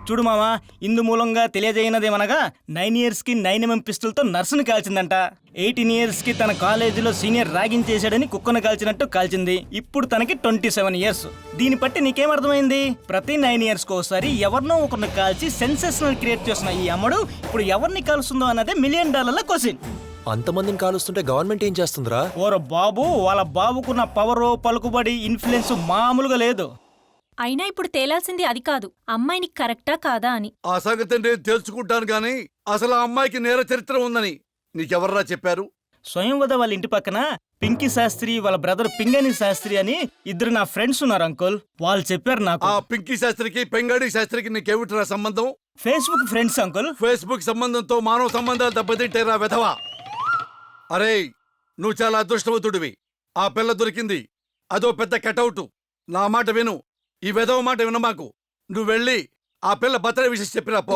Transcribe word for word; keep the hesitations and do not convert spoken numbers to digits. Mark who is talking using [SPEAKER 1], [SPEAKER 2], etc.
[SPEAKER 1] చూడు మావా, ఇందు మూలంగా తెలియజేయనదేమనగా నైన్ ఇయర్స్ కి నైన్ ఎంఎం పిస్టల్తో నర్సును కాల్చిందంట. ఎయిటీన్ ఇయర్స్ కి తన కాలేజీలో సీనియర్ ర్యాగింగ్ చేశాడని కుక్కను కాల్చినట్టు కాల్చింది. ఇప్పుడు తనకి ట్వంటీ సెవెన్ ఇయర్స్. దీన్ని బట్టి నీకేమర్థమైంది? ప్రతి నైన్ ఇయర్స్ కి ఒకసారి ఎవరినో ఒకరిని కాల్చి సెన్సేషనల్ క్రియేట్ చేసిన ఈ అమ్మడు ఇప్పుడు ఎవరిని కాలుస్తుందో అన్నదే మిలియన్ డాలర్ల క్వశ్చన్.
[SPEAKER 2] అంతమందిని కాలుస్తుంటే గవర్నమెంట్ ఏం చేస్తుందిరా?
[SPEAKER 1] ఓర బాబు, వాళ్ళ బాబుకున్న పవరు, పలుకుబడి, ఇన్ఫ్లుయెన్స్ మామూలుగా లేదు.
[SPEAKER 3] అయినా ఇప్పుడు తేలాల్సింది అది కాదు, అమ్మాయిని కరెక్టా కాదా అని.
[SPEAKER 4] ఆ సంగతి నేను తెలుసుకుంటాను గాని అసలు ఆ అమ్మాయికి నేర చరిత్ర ఉందని నీకెవర్రా చెప్పారు?
[SPEAKER 1] స్వయంవద వాళ్ళ ఇంటి పక్కన పింకీ శాస్త్రి, వాళ్ళ బ్రదర్ పింగని శాస్త్రి అని ఇద్దరు నా ఫ్రెండ్స్ ఉన్నారు అంకుల్. వాళ్ళు చెప్పారు నాకు.
[SPEAKER 4] ఆ పింకీ శాస్త్రికి పెంగాడి శాస్త్రికి నీకేమిట్రా సంబంధం?
[SPEAKER 1] Facebook friends uncle.
[SPEAKER 4] ఫేస్బుక్ సంబంధంతో మానవ సంబంధాలు దెబ్బతింటేరా వెధవా. అరే, నువ్వు చాలా అదృష్టవంతుడివి. ఆ పిల్ల దొరికింది, అదో పెద్ద కటౌటు. నా మాట విను, ఈ వెధవ మాట వినమాకు. నువ్వు వెళ్ళి ఆ పిల్ల బర్త్డే విషయం చెప్పిరా పో.